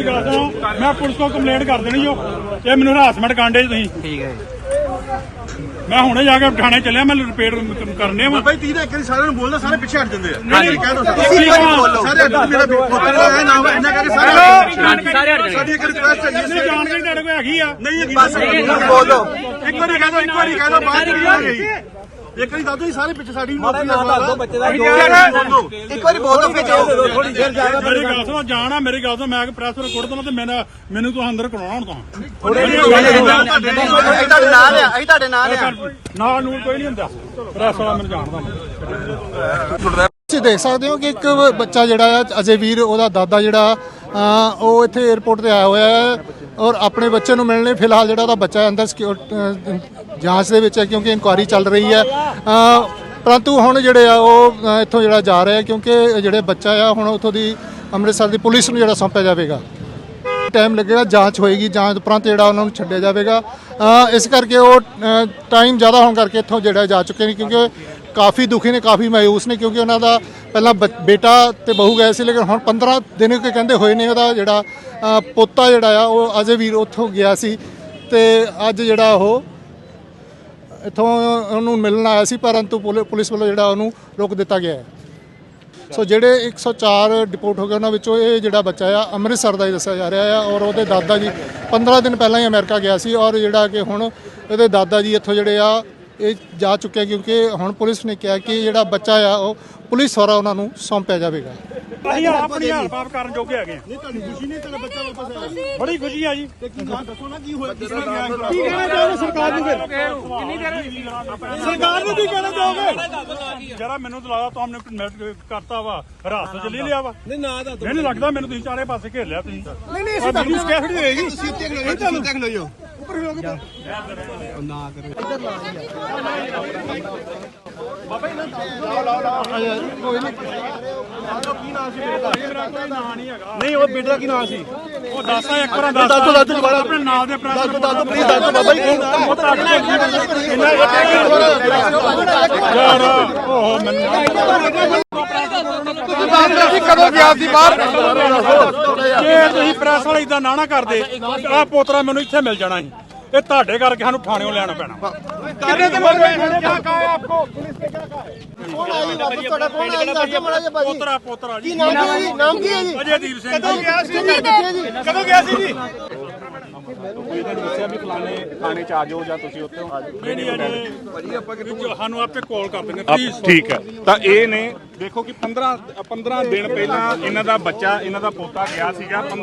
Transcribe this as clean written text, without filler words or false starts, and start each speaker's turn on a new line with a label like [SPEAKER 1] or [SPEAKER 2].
[SPEAKER 1] ਗੱਲ ਸੁਣੋ, मैं पुलिस को कंप्लेंट कर देनी जो ये मैंने हरासमेंट कांडे तुसीं।
[SPEAKER 2] ठीक है
[SPEAKER 1] मैं हुणे जाके थाने चलिया, मैं रिपेयर करने वा
[SPEAKER 3] भाई 30 एक सारे ਨੂੰ ਬੋਲਦਾ ਸਾਰੇ ਪਿੱਛੇ ਹਟ ਜਾਂਦੇ ਆ
[SPEAKER 1] नहीं
[SPEAKER 3] ਕਹਿ ਦੋ
[SPEAKER 1] नहीं
[SPEAKER 3] ਸਾਰੇ ਹਟ ਮੇਰਾ ਪੁੱਤਰ ਹੈ ਨਾਮ ਇਹਨਾਂ ਕਰਕੇ ਸਾਰੇ ਸਾਡੀ ਇੱਕ ਰਿਕੁਐਸਟ ਹੈ
[SPEAKER 1] इसने जानकारी तेरे को हैगी आ
[SPEAKER 3] ਨਹੀਂ ਹੈਗੀ ਬਸ ਬੋਲੋ ਇੱਕ ਵਾਰੀ ਕਹਿ ਦੋ ਬਾਅਦ ਚ ਆ ਗਈ ਇੱਕ ਵਾਰੀ ਦੱਸੋ ਜੀ ਸਾਰੇ ਪਿੱਛੇ ਸਾਡੀ ਮਾਫੀ ਨਾ ਦੱਸ ਦੋ ਬੱਚੇ ਦਾ ਇੱਕ ਵਾਰੀ ਬੋਲ ਦੋ ਫਿਰ ਜਾਓ ਥੋੜੀ ਦੇਰ ਜਾ ਕੇ
[SPEAKER 1] मेरी गल सुनो जाना मेरी गल सुनो मैं प्रेस रिकॉर्ड देना ते मैनू तो अंदर करवाना हुण
[SPEAKER 3] ਤੁਹਾਡੇ ਨਾਲ ਆ
[SPEAKER 1] ਨਾਲ ਨੂੰ ਕੋਈ ਨਹੀਂ ਹੁੰਦਾ ਪ੍ਰੈਸ ਵਾਲਾ ਮੈਨੂੰ ਜਾਣਦਾ
[SPEAKER 4] ਤੁਸੀਂ ਦੇਖ ਸਕਦੇ ਹੋ ਕਿ ਇੱਕ ਬੱਚਾ ਜਿਹੜਾ ਆ ਅਜੇ ਵੀਰ ਉਹਦਾ ਦਾਦਾ ਜਿਹੜਾ ਉਹ ਇੱਥੇ 에ਅਰਪੋਰਟ ਤੇ ਆਇਆ ਹੋਇਆ ਹੈ ਔਰ ਆਪਣੇ ਬੱਚੇ ਨੂੰ ਮਿਲਣੇ ਫਿਲਹਾਲ ਜਿਹੜਾ ਉਹਦਾ ਬੱਚਾ ਅੰਦਰ ਜਾਂਚ ਦੇ ਵਿੱਚ ਹੈ ਕਿਉਂਕਿ ਇਨਕੁਆਇਰੀ ਚੱਲ ਰਹੀ ਹੈ ਪਰੰਤੂ ਹੁਣ ਜਿਹੜੇ ਆ ਉਹ ਇੱਥੋਂ ਜਿਹੜਾ ਜਾ ਰਿਹਾ ਕਿਉਂਕਿ ਜਿਹੜੇ ਬੱਚਾ ਆ ਹੁਣ ਉੱਥੋਂ ਦੀ ਅੰਮ੍ਰਿਤਸਰ ਦੀ ਪੁਲਿਸ ਨੂੰ ਜਿਹੜਾ ਸੌਂਪਿਆ ਜਾਵੇਗਾ ਟਾਈਮ ਲੱਗੇਗਾ ਜਾਂਚ ਹੋਏਗੀ ਜਾਂਚ ਉਪਰੰਤ ਜਿਹੜਾ ਉਹਨਾਂ ਨੂੰ ਛੱਡਿਆ ਜਾਵੇਗਾ ਇਸ ਕਰਕੇ ਉਹ ਟਾਈਮ ਜ਼ਿਆਦਾ ਹੋਣ ਕਰਕੇ ਇੱਥੋਂ ਜਿਹੜਾ ਜਾ ਚੁੱਕੇ ਨੇ ਕਿਉਂਕਿ ਕਾਫੀ ਦੁਖੀ ਨੇ ਕਾਫੀ ਮਾਯੂਸ ਨੇ ਕਿਉਂਕਿ ਉਹਨਾਂ ਦਾ ਪਹਿਲਾਂ ਬੇਟਾ ਤੇ ਬਹੂ ਗਏ ਸੀ ਲੇਕਿਨ ਹੁਣ 15 ਦਿਨ ਕਹਿੰਦੇ ਹੋਏ ਨੇ ਉਹਦਾ ਜਿਹੜਾ ਪੋਤਾ ਜਿਹੜਾ ਆ ਉਹ ਅਜੇ ਵੀਰ ਉੱਥੋਂ ਗਿਆ ਸੀ ਤੇ ਅੱਜ ਜਿਹੜਾ ਉਹ ਇੱਥੋਂ ਉਹਨੂੰ ਮਿਲਣ ਆਇਆ ਸੀ ਪਰੰਤੂ ਪੁਲਿਸ ਵੱਲੋਂ ਜਿਹੜਾ ਉਹਨੂੰ ਰੋਕ ਦਿੱਤਾ ਗਿਆ ਹੈ ਸੋ ਜਿਹੜੇ 104 ਡਿਪੋਰਟ ਹੋ ਗਏ ਉਹਨਾਂ ਵਿੱਚੋਂ ਇਹ ਜਿਹੜਾ ਬੱਚਾ ਆ ਅੰਮ੍ਰਿਤਸਰ ਦਾ ਹੀ ਦੱਸਿਆ ਜਾ ਰਿਹਾ ਆ ਔਰ ਉਹਦੇ ਦਾਦਾ ਜੀ 15 ਦਿਨ ਪਹਿਲਾਂ ਹੀ ਅਮਰੀਕਾ ਗਿਆ ਸੀ ਔਰ ਜਿਹੜਾ ਕਿ ਹੁਣ ਇਹਦੇ ਦਾਦਾ ਜੀ ਇੱਥੋਂ ਜਿਹੜੇ ਆ ਇਹ ਜਾ ਚੁੱਕੇ ਕਿਉਂਕਿ ਹੁਣ ਪੁਲਿਸ ਨੇ ਕਿਹਾ ਕਿ ਜਿਹੜਾ ਬੱਚਾ ਆ ਉਹ ਪੁਲਿਸ ਦੁਆਰਾ ਉਹਨਾਂ ਨੂੰ ਸੌਂਪਿਆ ਜਾਵੇਗਾ
[SPEAKER 1] ਅਸੀਂ ਆਪਣੀ ਹਲਪਾਪ ਕਰਨ ਜੋਗੇ ਹੈਗੇ
[SPEAKER 3] ਨਹੀਂ ਤੁਹਾਨੂੰ ਖੁਸ਼ੀ ਨਹੀਂ ਤੇਰਾ ਬੱਚਾ ਵਾਪਸ ਆਇਆ
[SPEAKER 1] ਬੜੀ ਖੁਸ਼ੀ ਆ ਜੀ
[SPEAKER 3] ਕੀ ਦੱਸੋ ਨਾ ਕੀ ਹੋਇਆ ਕਿਸ ਤਰ੍ਹਾਂ ਗਿਆ
[SPEAKER 1] ਕੀ ਕਹਿਣਾ ਚਾਹੋਗੇ ਸਰਕਾਰ ਨੂੰ ਫਿਰ ਸਰਕਾਰ ਨੂੰ ਕੀ ਕਹਿਣਾ ਚਾਹੋਗੇ ਜਰਾ ਮੈਨੂੰ ਤਾਂ ਲੱਗਦਾ ਤੁਹਾਨੂੰ ਕਰਤਾ ਵਾ ਰਾਤ ਚ ਲੈ ਲਿਆ ਵਾ
[SPEAKER 3] ਨਹੀਂ ਨਾ ਦਾ
[SPEAKER 1] ਮੈਨੂੰ ਲੱਗਦਾ ਮੈਨੂੰ ਤੁਸੀਂ ਚਾਰੇ ਪਾਸੇ ਘੇਰ ਲਿਆ ਤੁਸੀਂ
[SPEAKER 3] ਨਹੀਂ ਨਹੀਂ
[SPEAKER 1] ਔਰ ਮੈਨੂੰ ਸਕੈਫੜੀ ਹੋਏਗੀ
[SPEAKER 3] ਤੁਸੀਂ ਉੱਤੇ ਖਲੋ ਜਾਓ ਉੱਤੇ ਖਲੋ ਜਾਓ ਉੱਪਰ ਖਲੋ ਕੇ ਨਾ ਕਰੋ ਬਾਬਾ ਇਹਨਾਂ ਨਹੀਂ ਉਹ ਬੇਟੇ ਦਾ ਕੀ ਨਾਮ ਸੀ
[SPEAKER 1] ਉਹ ਦੱਸਦਾ ਇੱਕ ਵਾਰ ਦੱਸ
[SPEAKER 3] ਦੁਬਾਰਾ
[SPEAKER 1] ਆਪਣੇ ਨਾਮ ਦੇ ਪ੍ਰੈਸ
[SPEAKER 3] ਦੱਸੋ ਪਲੀਜ਼ ਦੱਸੋ ਬਾਬਾ ਜੀ
[SPEAKER 1] ਯਾਰ ਉਹ ਮੈਨੂੰ
[SPEAKER 3] ਕਦੋਂ ਗਿਆ ਸੀ ਬਾਹਰ
[SPEAKER 1] ਜੇ ਤੁਸੀਂ ਪ੍ਰੈਸ ਵਾਲੇ ਇਦਾਂ ਨਾ ਕਰਦੇ ਆ ਪੋਤਰਾ ਮੈਨੂੰ ਇੱਥੇ ਮਿਲ ਜਾਣਾ ਸੀ ਇਹ ਤੁਹਾਡੇ ਕਰਕੇ ਸਾਨੂੰ ਥਾਣਿਓਂ ਲੈਣਾ ਪੈਣਾ ਕਿੰਨੇ ਦਿਨ ਹੋ ਗਏ ਕਿਆ ਕਹਾ ਆਪਕੋ ਪੁਲਿਸ ਨੇ ਕਿਆ ਕਹਾ
[SPEAKER 4] ਕੌਣ ਆਈ ਵਾਪਸ ਤੁਹਾਡਾ ਕੌਣ ਆਈ ਦੱਸੋ ਮਾੜਾ ਜਿਹਾ ਭਾਜੀ
[SPEAKER 1] ਪੋਤਰਾ ਜੀ
[SPEAKER 4] ਨਾਮ ਕੀ ਹੈ ਜੀ
[SPEAKER 1] ਅਜੇਦੀਪ ਸਿੰਘ
[SPEAKER 3] ਕਦੋਂ ਗਿਆ ਸੀ ਕਦੋਂ ਗਿਆ ਸੀ ਜੀ ਥਾਣੇ ਚ ਆ ਜਾਓ ਜਾਂ ਤੁਸੀਂ ਉੱਥੇ
[SPEAKER 1] ਨਹੀਂ ਨਹੀਂ ਅਜੇ ਭਾਜੀ ਆਪਾਂ ਸਾਨੂੰ ਆਪੇ ਕਾਲ ਕਰ ਦਿੰਦੇ ਪਲੀਜ਼
[SPEAKER 5] ਠੀਕ ਹੈ ਤਾਂ ਇਹ ਨੇ ਦੇਖੋ ਕਿ 15 ਦਿਨ ਪਹਿਲਾਂ ਇਹਨਾਂ ਦਾ ਬੱਚਾ ਇਹਨਾਂ ਦਾ ਪੋਤਾ ਗਿਆ ਸੀਗਾ